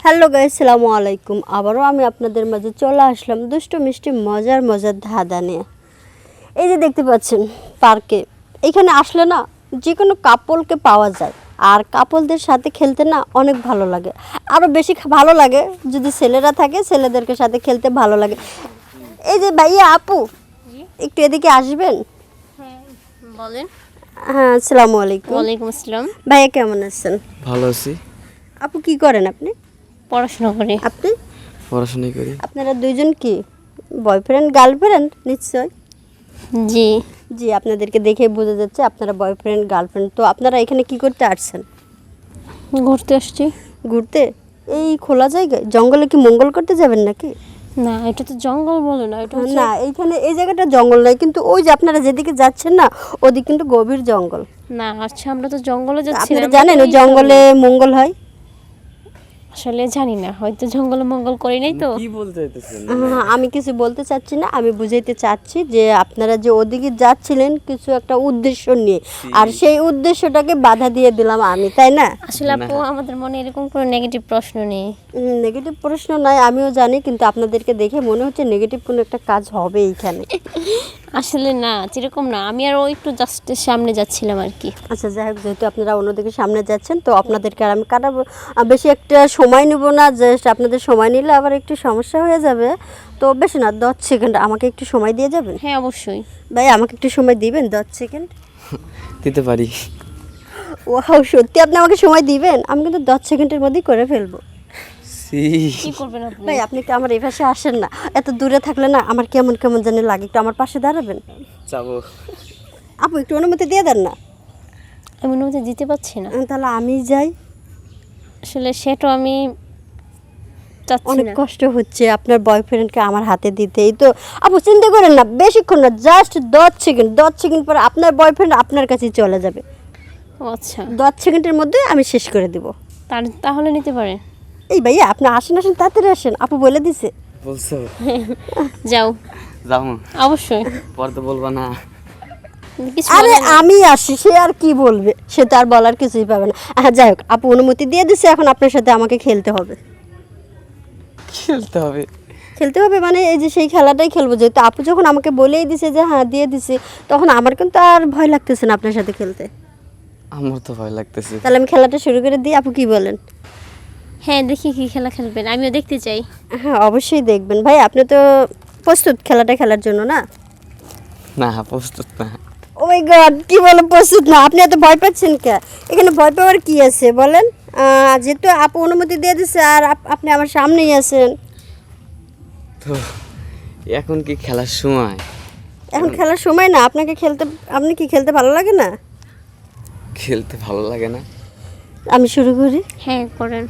Hello guys, আসসালামু আলাইকুম। আবারও আমি আপনাদের মাঝে চলে আসলাম দুষ্টু মিষ্টি মজার মজার ধাঁধা নিয়ে। এই যে দেখতে পাচ্ছেন পার্কে, এখানে আসলে না যে কোনো কাপলকে পাওয়া যায়, আর কাপলদের সাথে খেলতে না অনেক ভালো লাগে। আরও বেশি ভালো লাগে যদি ছেলেরা থাকে, ছেলেদেরকে সাথে খেলতে ভালো লাগে। এই যে ভাইয়া, আপু একটু এদিকে আসবেন? বলেন। হ্যাঁ, আসসালামু আলাইকুম। ওয়ালাইকুম আসসালাম। ভাইয়া কেমন আছেন? ভালো আছি। আপু কি করেন আপনি? পড়াশোনা করি। আপনি? পড়াশোনা করি। আপনারা দুইজন কি বয়ফ্রেন্ড গার্লফ্রেন্ড? নিশ্চয়। জি। জি, আপনাদেরকে দেখে বোঝা যাচ্ছে আপনারা বয়ফ্রেন্ড গার্লফ্রেন্ড। তো আপনারা এখানে কি করতে আসছেন? ঘুরতে আসছি। ঘুরতে? এই খোলা জায়গায় জঙ্গলে কি মঙ্গল করতে যাবেন নাকি? না, এটা তো জঙ্গল বলে না, এটা হচ্ছে না, এইখানে এই জায়গাটা জঙ্গল নয়, কিন্তু ওই যে আপনারা যেদিকে যাচ্ছেন না, ওদিকে কিন্তু গভীর জঙ্গল। না। আচ্ছা, আমরা তো জঙ্গলে যাচ্ছি আপনারা না। জানেন ওই জঙ্গলে মঙ্গল হয়? আসলে জানি না, হয়তো জঙ্গলে মঙ্গল করি নাই তো। কি বলতে চাইতেছেন? আমি কিছু বলতে চাচ্ছি না, আমি বুঝাইতে চাচ্ছি যে আপনারা যে ওদিকে যাচ্ছিলেন কিছু একটা উদ্দেশ্য নিয়ে, আর সেই উদ্দেশ্যটাকে বাধা দিয়ে দিলাম আমি, তাই না? আসলে আপু, আমাদের মনে এরকম কোনো নেগেটিভ প্রশ্ন নেই। নেগেটিভ প্রশ্ন নয়, আমিও জানি, কিন্তু আপনাদেরকে দেখে মনে হচ্ছে নেগেটিভ কোনো একটা কাজ হবে এইখানে। আসলে না, যেরকম না, আমি আর ওই একটু জাস্ট সামনে যাচ্ছিলাম আর কি। আচ্ছা, যাই হোক, যেহেতু আপনারা অন্যদিকে সামনে যাচ্ছেন, তো আপনাদেরকে আর আমি কাটাবো বেশি একটা সময় নেব না। জাস্ট আপনাদের সময় নিলে আবার একটু সমস্যা হয়ে যাবে। তো বেশি না, 10 সেকেন্ড আমাকে একটু সময় দিয়ে যাবেন? হ্যাঁ, অবশ্যই। ভাই, আমাকে একটু সময় দিবেন 10 সেকেন্ড? দিতে পারি। ওয়াও, সত্যি আপনি আমাকে সময় দিবেন? আমি কিন্তু 10 সেকেন্ডের মধ্যেই করে ফেলবো। কি করবেন আপনি? ভাই, আপনি কি আমার এই পাশে আসেন না? এত দূরে থাকলে না আমার কেমন কেমন জানি লাগে। একটু আমার পাশে দাঁড়াবেন? যাবো। আপু একটু অনুমতি দিয়ে দেন না? আমি অনুমতি দিতে পারছি না। তাহলে আমি যাই। আসলে সেটা আমি চাচ্ছি অনেক না। কষ্ট হচ্ছে আপনার বয়ফ্রেন্ডকে আমার হাতে দিতেই তো। আপু চিন্তা করেন না, বেশিক্ষণ না, জাস্ট 10 সেকেন্ড। 10 সেকেন্ড পরে আপনার বয়ফ্রেন্ড আপনার কাছেই চলে যাবে। ও আচ্ছা, 10 সেকেন্ডের মধ্যে আমি শেষ করে দিব। তাহলে নিতে পারেন। এই ভাইয়া, আপনি আসেন আসেন, তাড়াতাড়ি আসেন, আপু বলে দিছে। বলছো? যাও। যাবো। অবশ্যই। পরে তো বলবা না। কিছু আরে বলার নেই। আমি আসি, সে আর কি বলবে? সে তো আর বলার কিছুই পাবে না। যাই হোক, আপু অনুমতি দিয়ে দিছে, এখন আপনার সাথে আমাকে খেলতে হবে। খেলতে হবে? খেলতে হবে মানে এই যে সেই খেলাটাই খেলবো। যেহেতু আপু যখন আমাকে বলেই দিছে যে হ্যাঁ দিয়ে দিছে, তখন আমার কিন্তু আর ভয় লাগতেছে না আপনার সাথে খেলতে। আমার তো ভয় লাগতেছে। তাহলে আমি খেলাটা শুরু করে দিই, আপু কি বলেন? হ্যাঁ, দেখি কি খেলা খেলবেন, আমিও দেখতে চাই। হ্যাঁ, অবশ্যই দেখবেন। ভাই, আপনি তো প্রস্তুত খেলাটা খেলার জন্য না? না, প্রস্তুত না। ও মাই গড, কি বলে প্রস্তুত না? আপনি এত ভয় পাচ্ছেন কে? এখানে ভয় পাওয়ার কি আছে বলেন? যেহেতু আপু অনুমতি দিয়ে দিছে আর আপনি আমার সামনেই আছেন। তো এখন কি খেলার সময়? এখন খেলার সময় না। আপনি কি খেলতে ভালো লাগে না? খেলতে ভালো লাগে না। আমি শুরু করি। হ্যাঁ, করেন।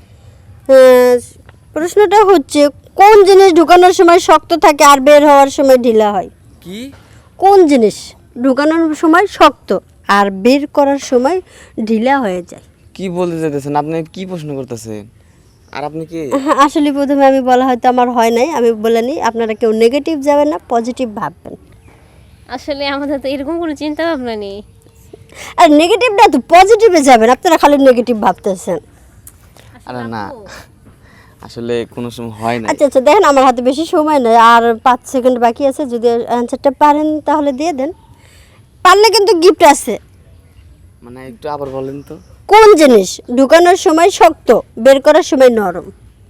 আহ, প্রশ্নটা হচ্ছে, কোন জিনিস ঢুকানোর সময় শক্ত থাকে আর বের হওয়ার সময় ঢিলা হয়? কি? কোন জিনিস ঢুকানোর সময় শক্ত আর বের করার সময় ঢিলা হয়ে যায়? কি বলতে চাইতেছেন? আপনি কি প্রশ্ন করতেছেন? আর আপনি কি? আসলে প্রথমে আমি বলা হয়তো আমার হয় নাই, আমি বলে নিই, আপনারা কেউ নেগেটিভ যাবেন না, পজিটিভ ভাববেন। আসলে আমাদের তো এরকম কোনো চিন্তা ভাবনা নেই। আর নেগেটিভ না তো, পজিটিভে যাবেন। আপনারা খালি নেগেটিভ ভাবতেছেন। আরে না, আসলে কোনো সময় হয় না। আচ্ছা আচ্ছা, দেখেন আমার হাতে বেশি সময় নেই, আর 5 সেকেন্ড বাকি আছে। যদি অ্যান্সারটা পারেন তাহলে দিয়ে দেন, পারলে কিন্তু গিফট আছে। মানে একটু আবার বলেন তো। কোন জিনিস ঢুকানোর সময় শক্ত, বের করার সময় নরম?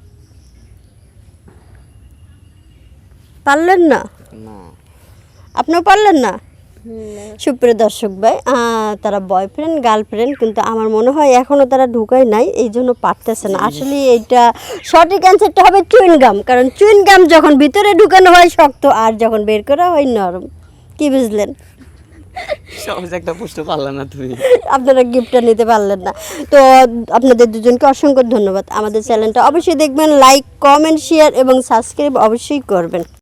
পারলেন না? না। আপনিও পারলেন না? সুপ্রিয় দর্শক ভাই, তারা বয়ফ্রেন্ড গার্লফ্রেন্ড, কিন্তু আমার মনে হয় এখনও তারা ঢুকায় নাই, এই জন্য পারতেছে না। আসলে এইটা সঠিক অ্যান্সারটা হবে চুইনগাম, কারণ চুইনগাম যখন ভিতরে ঢুকানো হয় শক্ত, আর যখন বের করা হয় নরম। কি বুঝলেন? সহজ একটা প্রশ্ন পারলাম না তুমি। আপনারা গিফটটা নিতে পারলেন না। তো আপনাদের দুজনকে অসংখ্য ধন্যবাদ। আমাদের চ্যানেলটা অবশ্যই দেখবেন, লাইক কমেন্ট শেয়ার এবং সাবস্ক্রাইব অবশ্যই করবেন।